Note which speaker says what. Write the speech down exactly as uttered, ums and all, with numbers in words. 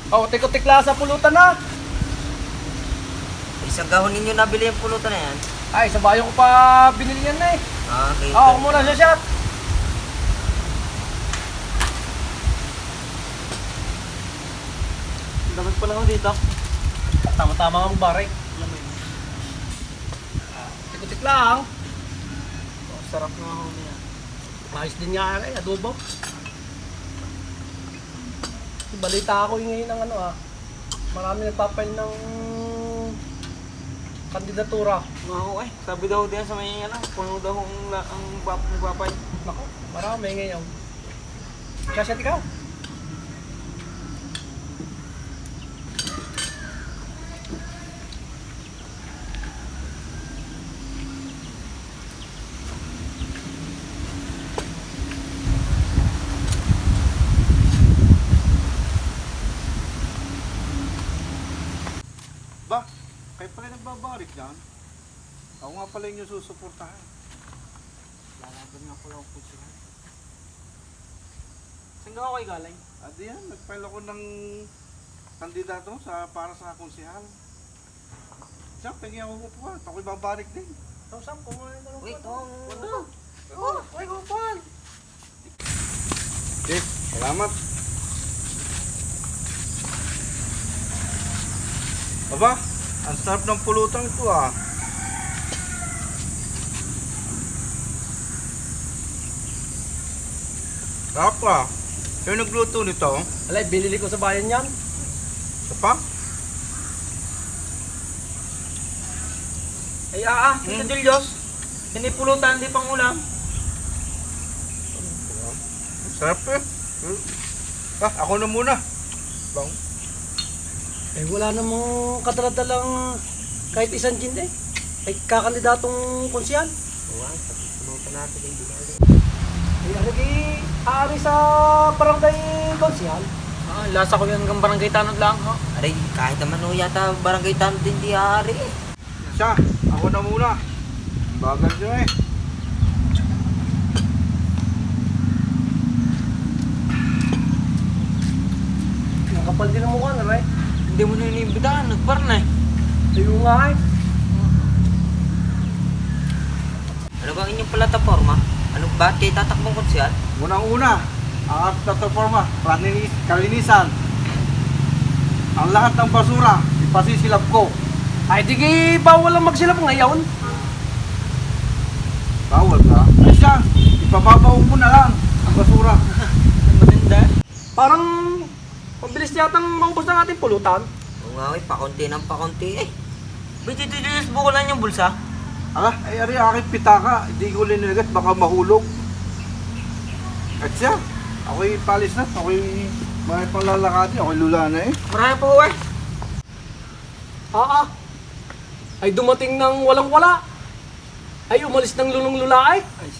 Speaker 1: Oh, tiko-tikla sa pulutan na.
Speaker 2: Isang gahon ninyo nabili yung pulutan na yan.
Speaker 1: Ay, sa bayo ko pa binili yan na eh.
Speaker 2: Ah, okay.
Speaker 1: Oo, ako muna sa shop.
Speaker 3: Dapat pala ako dito.
Speaker 1: Tama-tama ang baray. Tiko-tikla lang.
Speaker 3: Oh, sarap nga ako niya.
Speaker 1: Maayos din nga eh, adobo. Balita ako yung ngayon ng ano ah. Marami nagpapail ng kandidatura.
Speaker 3: Nga ako eh. Sabi daw diyan sa may ano, puno daw ang, la- ang bap magpapay.
Speaker 1: Nako, marami ngayon. Kasi at ikaw?
Speaker 4: Ba, kayo pala nagbabarik dyan? Ako nga pala yung susuportahan.
Speaker 3: Lalaban nga pala ako sila. Saan ka ako kayo galing?
Speaker 4: At yan, nag-file ako ng kandidato sa, para sa konsehal. Siya, pengi ako upuan. Ako'y babarik din.
Speaker 1: Ikaw, Sam, kumain na lang.
Speaker 2: Wait, oh.
Speaker 1: Ano? Oh, ay, kumain.
Speaker 4: Okay, salamat. Aba, ang sarap ng pulutan ito ah. Sarap ah. Sino nagluto nito?
Speaker 1: Alay, binili ko sa bayan yan.
Speaker 4: Isa pa?
Speaker 3: Ay, ah, ah, Tito
Speaker 4: Hmm.
Speaker 3: Julius. Hindi pulutan, hindi pang ulam.
Speaker 4: Sarap eh. Ah, ako na muna. Bang.
Speaker 1: Eh, wala namang kadaladalang kahit isang gin eh. Ay, kakandidatong konsyal.
Speaker 2: Oo, ang pulutan natin yung binali.
Speaker 1: Ay, ano di, aari sa barangay konsyal.
Speaker 3: Ah, lasa ko yung hanggang barangay tanod lang, ha?
Speaker 2: Aray, kahit naman o yata barangay tanod din di hari eh.
Speaker 4: Siya, ako na muna. Bagal nyo eh.
Speaker 1: Nakapal din ang mukha na, right?
Speaker 3: Hindi mo na inibitahan, nagpar na eh.
Speaker 1: Ayun nga eh.
Speaker 2: Ano bang inyong plataforma? Ano ba kayo tatakbong konsyal?
Speaker 4: Unang-una, ang ating plataforma, praninis, kalinisan. Ang lahat ng basura, ipasisilap ko.
Speaker 1: Ay, di ki, bawal lang magsilap ngayon.
Speaker 4: Bawal ka? Ay siya, ipababaw mo na lang ang basura.
Speaker 3: Ang matinda.
Speaker 1: Parang mabilis yatang maubos ng ating pulutan.
Speaker 2: Oo nga, eh, pakunti ng pakunti eh.
Speaker 3: Ba't Tito Julius, bukulan yung bulsa?
Speaker 4: Ala, ay ari aking pitaka, hindi ko liniligat, baka mahulog. At siya, ako'y palis na, ako'y may panglalakati, ako'y lula na eh.
Speaker 3: Marami po eh.
Speaker 1: Ah, ah. Ay dumating ng walang-wala. Ay umalis ng lulong-lula ay.